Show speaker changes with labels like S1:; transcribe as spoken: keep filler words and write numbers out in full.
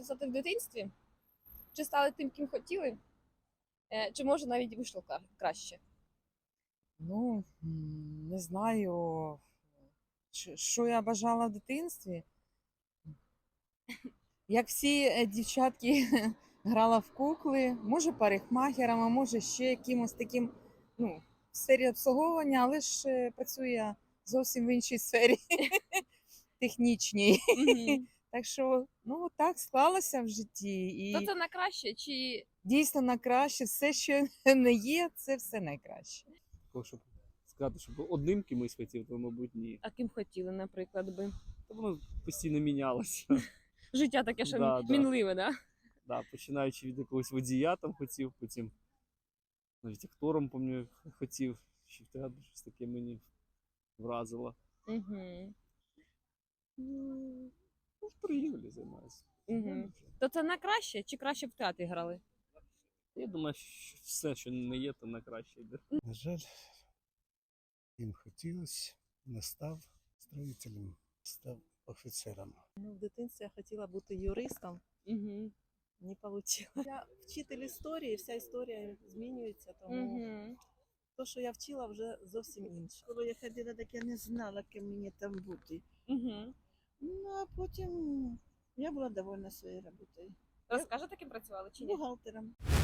S1: хотіли стати в дитинстві? Чи стали тим, ким хотіли? Е, Чи може навіть вийшло кра- краще?
S2: Ну, м, не знаю, що що я бажала в дитинстві. Як всі е, дівчатки грала в кукли, може парикмахером, а може ще якимось таким, ну, в сфері обслуговування, але ж е, працюю я зовсім в іншій сфері технічній.
S1: Мгм.
S2: Так що, ну, так склалося в житті.
S1: То
S2: І
S1: це на краще, чи
S2: дійсно на краще, все, що не є, це все найкраще.
S3: Такого, щоб сказати, щоб одним кимось хотів, то, мабуть, ні.
S1: а ким хотіли, наприклад, би?
S3: То воно постійно мінялося.
S1: Життя таке, що
S3: Да, да.
S1: мінливе, да?
S3: Да, починаючи від якогось водія там хотів, потім навіть актором, пам'ятаю, хотів, ще в театрі щось таке мені вразило.
S1: Угу.
S3: Ну, в торгівлі займаюся.
S1: Угу. То це на краще, чи краще б в театрі грали?
S3: Я думаю, що все, що не є, то на краще йде.
S4: На жаль, їм хотілося, не став строїтелем, став офіцером.
S5: Ну, в дитинстві я хотіла бути юристом,
S1: Угу.
S5: не вийшло. Я вчитель історії, вся історія змінюється, тому
S1: Угу.
S5: те, що я вчила, вже зовсім інше. Коли я ходила, так я не знала, ким мені там бути.
S1: Угу.
S5: Ну, а потім я була довольна своєю роботою.
S1: Розкажете, ким працювали чи ні?
S5: Бухгалтером.